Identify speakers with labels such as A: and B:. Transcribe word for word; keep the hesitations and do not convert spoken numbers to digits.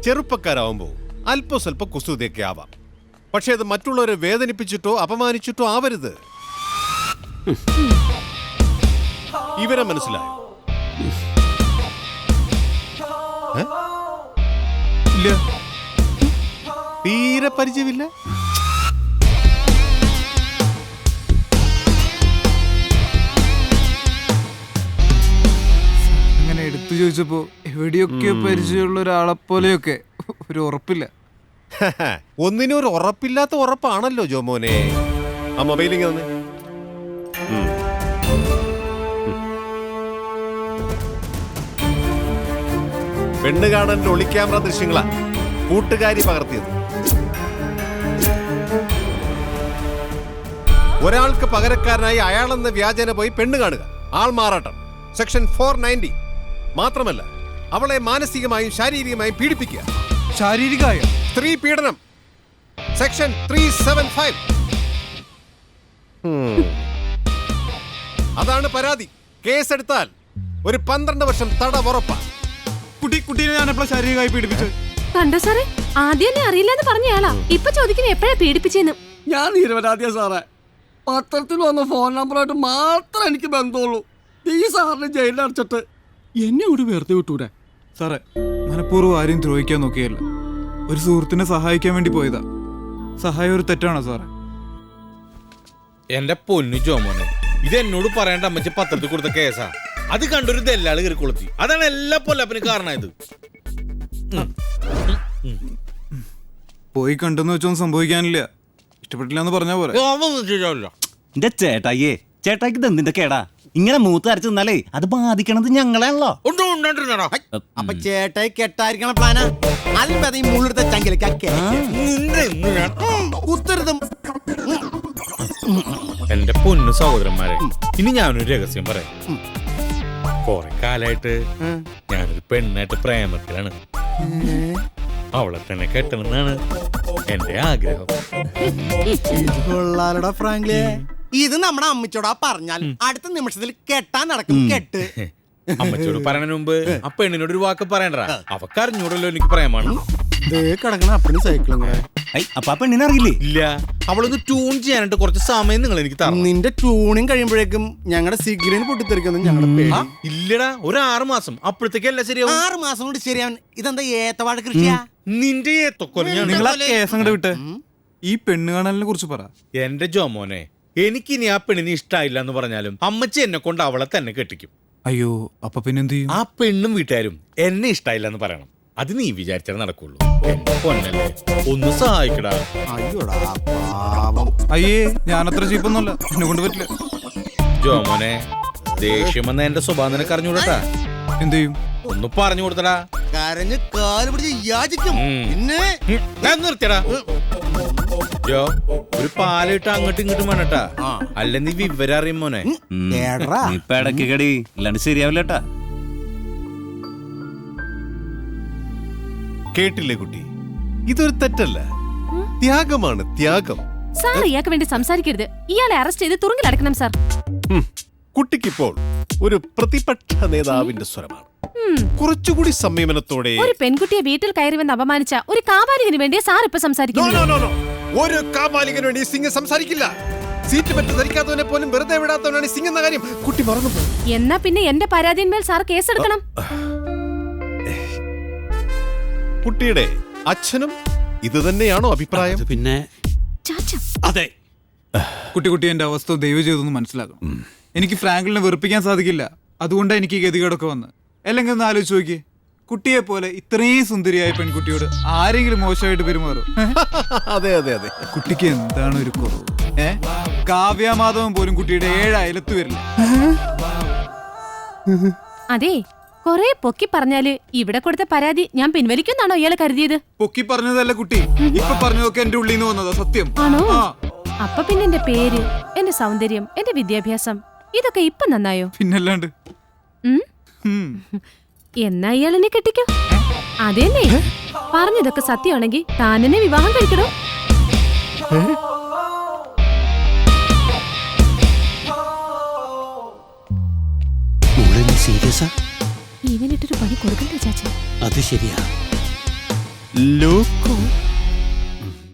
A: ചെറുപ്പക്കാരാവുമ്പോൾ അല്പ സ്വല്പ കുസൃതിയൊക്കെ ആവാം. പക്ഷെ അത് മറ്റുള്ളവരെ വേദനിപ്പിച്ചിട്ടോ അപമാനിച്ചിട്ടോ ആവരുത്. ഇവരെ മനസ്സിലായോ? ഇല്ല, തീരെ പരിചയമില്ല.
B: അങ്ങനെ എടുത്തു ചോദിച്ചപ്പോ എവിടെയൊക്കെ പരിചയമുള്ള ഒരാളെ പോലെയൊക്കെ ഒരു ഉറപ്പില്ല.
A: ഒന്നിനും ഒരു ഉറപ്പില്ലാത്ത ഉറപ്പാണല്ലോ ജോമോനെ. ആ മൊബൈലിങ് തന്നെ. പെണ്ണ് കാണാൻ ഒളിക്യാമറ ദൃശ്യങ്ങളാ കൂട്ടുകാരി പകർത്തിയത്. ഒരാൾക്ക് പകരക്കാരനായി അയാളെന്ന വ്യാജേന പോയി പെണ്ണ് കാണുക, ആൾ മാറാട്ടം, സെക്ഷൻ ഫോർ നയൻറ്റി. മാത്രമല്ല അവളെ മാനസികമായും ശാരീരികമായും പീഡിപ്പിക്കുക,
B: ശാരീരികമായ
A: സ്ത്രീ പീഡനം, സെക്ഷൻ ത്രീ സെവൻ ഫൈവ്. അതാണ് പരാതി. കേസെടുത്താൽ ഒരു പന്ത്രണ്ട് വർഷം തടവുറപ്പാണ്.
B: കുട്ടി കുട്ടീനെ ഞാൻ എപ്പോഴാ ശാരീരികമായി പീഡിപ്പിച്ചത്?
C: കണ്ടോ സാറേ, ആദ്യം തന്നെ അറിയില്ലെന്ന് പറഞ്ഞയാളാ ഇപ്പൊ ചോദിക്കുന്നത് എപ്പോഴാ പീഡിപ്പിച്ചെന്ന്.
D: ഞാൻ നിരപരാധിയാ സാറേ. പത്രത്തിൽ വന്ന ഫോൺ നമ്പറായിട്ട് മാത്രം എനിക്ക് ബന്ധമുള്ളൂ. ഈ സാറിന് ജയിലിൽ അടച്ചിട്ട് എന്നെ ഒരു വെറുതെ വിട്ടൂടെ?
B: സാറേ, മനഃപൂർവ്വം ആരെയും ദ്രോഹിക്കാൻ നോക്കിയല്ല, ഒരു സുഹൃത്തിനെ സഹായിക്കാൻ വേണ്ടി പോയതാ. സഹായം ഒരു തെറ്റാണോ സാറേ?
E: എന്റെ പൊന്നു ജോമോനെ, ഇത് എന്നോട് പറയേണ്ട അമ്മച്ചി പത്രത്തിൽ കൊടുത്ത കേസാ. അത് കണ്ടൊരു ദല്ലാള് കയറി കൊളുത്തി. അതാണ് എല്ലാ പൊല്ലപ്പന് കാരണമായത്.
B: പോയി കണ്ടെന്ന് വെച്ചൊന്നും സംഭവിക്കാനില്ല. ഇഷ്ടപ്പെട്ടില്ല എന്ന് പറഞ്ഞാ പോലെ.
F: എന്റെ ചേട്ടായിയേ, ചേട്ടായിക്ക് ഇതെന്തിന്റെ കേടാ? ഇങ്ങനെ മൂത്ത് അരച്ചു നിന്നാലേ അത് ബാധിക്കണത് ഞങ്ങളെയാണല്ലോ.
D: അപ്പൊ ചേട്ടായി കെട്ടായിരിക്കണ പ്ലാനാ? അല്പത ഈ മുള്ളെടുത്ത ചങ്കിലേക്ക് കുത്തരുതും.
E: എന്റെ പൊന്നു സഹോദരന്മാരെ, ഇനി ഞാനൊരു രഹസ്യം പറയാം. കൊറേ കാലായിട്ട് ഞാനൊരു പെണ്ണായിട്ട് പ്രേമത്തിലാണ്. അവളെ തന്നെ കെട്ടണമെന്നാണ് എന്റെ ആഗ്രഹം.
D: ഫ്രാങ്ക്ലി, ഇത് നമ്മുടെ അമ്മച്ചോടാ പറഞ്ഞാൽ അടുത്ത നിമിഷത്തിൽ കെട്ടാൻ നടക്കും. കെട്ട്
E: അമ്മച്ചോട് പറയണ മുമ്പ് ആ പെണ്ണിനോട് ഒരു വാക്ക് പറയണ്ട. അവക്ക് അറിഞ്ഞൂടല്ലോ എനിക്ക് പ്രേമാണ്.
D: കിടക്കണ അപ്പണി സൈക്കിളും
F: അപ്പൊ ആ പെണ്ണിനെ അറിയില്ലേ?
E: ഇല്ല, അവളൊന്ന് ട്യൂൺ ചെയ്യാനായിട്ട് കുറച്ച് സമയം നിങ്ങൾ എനിക്ക് തരണം.
D: നിന്റെ ട്യൂണിങ് കഴിയുമ്പോഴേക്കും ഞങ്ങളുടെ സിഗ്നൽ പൊട്ടിത്തെറിക്കുന്നു ഞങ്ങളുടെ.
E: ഇല്ലടാ, ഒരു ആറ് മാസം അപ്പോഴത്തേക്ക് എല്ലാം ശരിയാവും.
D: ആറ് മാസം കൊണ്ട് ശരിയാവും. ഇതെന്താ ഏത്തവാഴ കൃഷിയാ?
E: നിന്റെ ഏത്തൊക്കൊല
B: നിങ്ങൾ ആ കേസ് അങ്ങോട്ട് വിട്ട് ഈ പെണ്ണ് കാണലിനെ കുറിച്ച് പറ.
E: എന്റെ ജോമോനെ, എനിക്കിനി ആ പെണ്ണിന് ഇഷ്ടമായില്ല എന്ന് പറഞ്ഞാലും അമ്മച്ചി എന്നെ കൊണ്ട് അവളെ തന്നെ കെട്ടിക്കും.
B: അയ്യോ, അപ്പൊ പിന്നെന്ത് ചെയ്യും?
E: ആ പെണ്ണും വീട്ടുകാരും എന്നെ ഇഷ്ടമായില്ല എന്ന് പറയണം. അത് നീ വിചാരിച്ചാൽ നടക്കുള്ളൂ. എന്റെ പൊന്നല്ലേ, ഒന്ന് സഹായിക്കടാ.
B: അയ്യേ, ഞാനത്ര ചീപ്പൊന്നുമല്ല, എന്നെ കൊണ്ട് പറ്റില്ല.
E: ജോമോനെ, ദേഷ്യം വന്ന എന്റെ സ്വഭാവം നിനക്ക് അറിഞ്ഞുകൂടട്ടാ.
B: എന്ത് ചെയ്യും?
E: ഒന്ന് പറഞ്ഞു കൊടുത്തടാ.
D: കരഞ്ഞ് കാല് പിടിച്ച് യാചിക്കും. പിന്നെ
E: നിർത്തിയടാ. ജോ, ഒരു പാലിട്ട് അങ്ങോട്ടും ഇങ്ങോട്ടും വേണട്ടാ, അല്ല നീ വിവരം അറിയും മോനെ.
F: ഇപ്പൊ ഇടയ്ക്ക് കടി ഇല്ലാണ്ട് ശരിയാവില്ലട്ടാ.
A: കേട്ടില്ലേ കുട്ടി, ഇതൊരു തെറ്റല്ല, ത്യാഗമാണ്, ത്യാഗം.
C: സാർ ഇയാൾക്ക് വേണ്ടി സംസാരിക്കരുത്. ഇയാളെ അറസ്റ്റ് ചെയ്ത് തുറുങ്കിൽ അടക്കണം സാർ.
A: കുട്ടിക്കിപ്പോൾ ഒരു പ്രതിപക്ഷ നേതാവിന്റെ സ്വരമാണ്. കുറച്ചുകൂടി സംയമനത്തോടെ.
C: ഒരു പെൺകുട്ടിയെ വീട്ടിൽ കയറി വന്ന് അപമാനിച്ച ഒരു കാപാലികന് വേണ്ടി സാർ ഇപ്പൊ സംസാരിക്കുന്നു.
A: ഒരു കാപാലികന് വേണ്ടി സിംഗ് സംസാരിക്കില്ല. സീറ്റ് പറ്റി ധരിക്കാത്തവനെ പോലും വെറുതെ വിടാത്തവനാണ് സിംഗ് എന്ന കാര്യം കുട്ടി മറന്നു.
C: എന്നാ പിന്നെ എന്റെ പരാതിന്മേൽ സാർ കേസെടുക്കണം.
A: കുട്ടിയുടെ അച്ഛനും ഇത് തന്നെയാണോ അഭിപ്രായം?
D: പിന്നെ
B: അതെ. കുട്ടി കുട്ടി എന്റെ അവസ്ഥ ദയവ് ചെയ്തൊന്ന് മനസ്സിലാക്കണം. എനിക്ക് ഫ്രാങ്ക്ലിനെ വെറുപ്പിക്കാൻ സാധിക്കില്ല. അതുകൊണ്ടാണ് എനിക്ക് ഗതികേടൊക്കെ വന്ന്. അല്ലെങ്കിൽ ഒന്ന് ആലോചിച്ച് നോക്കിയേ, കുട്ടിയെ പോലെ ഇത്രയും സുന്ദരിയായ പെൺകുട്ടിയോട് ആരെങ്കിലും മോശമായിട്ട് പെരുമാറും?
A: അതെ അതെ അതെ.
B: കുട്ടിക്ക് എന്താണ് ഒരു കുറവ്? ഏ കാവ്യമാധവൻ പോലും കുട്ടിയുടെ ഏഴ് അയലത്ത് വരില്ല.
C: അതെ, കൊറേ പൊക്കി പറഞ്ഞാല് ഇവിടെ കൊടുത്ത പരാതി ഞാൻ പിൻവലിക്കുന്നാണോ ഇയാള് കരുതിയത്?
B: പൊക്കി പറഞ്ഞതല്ല കുട്ടി, ഇപ്പൊ പറഞ്ഞതൊക്കെ എന്റെ ഉള്ളിൽ നിന്ന് വന്നതാ. സത്യം
C: ആണോ? അപ്പൊ പിന്നെ എന്റെ പേര്, എന്റെ സൗന്ദര്യം, എന്റെ വിദ്യാഭ്യാസം ഇതൊക്കെ ഇപ്പൊ നന്നായോ?
B: പിന്നല്ലാണ്ട്.
C: എന്നാ ഇയാളെന്നെ കെട്ടിക്കോ. അതെന്നെ പറഞ്ഞതൊക്കെ സത്യമാണെങ്കിൽ താനെന്നെ വിവാഹം കഴിക്കണോ?
D: സീരിയസാ?
C: ഇവനിട്ടൊരു പണി കൊടുക്കണ്ടേ ചാച്ച?
D: അത് ശരിയാ.
F: ലോക്കോ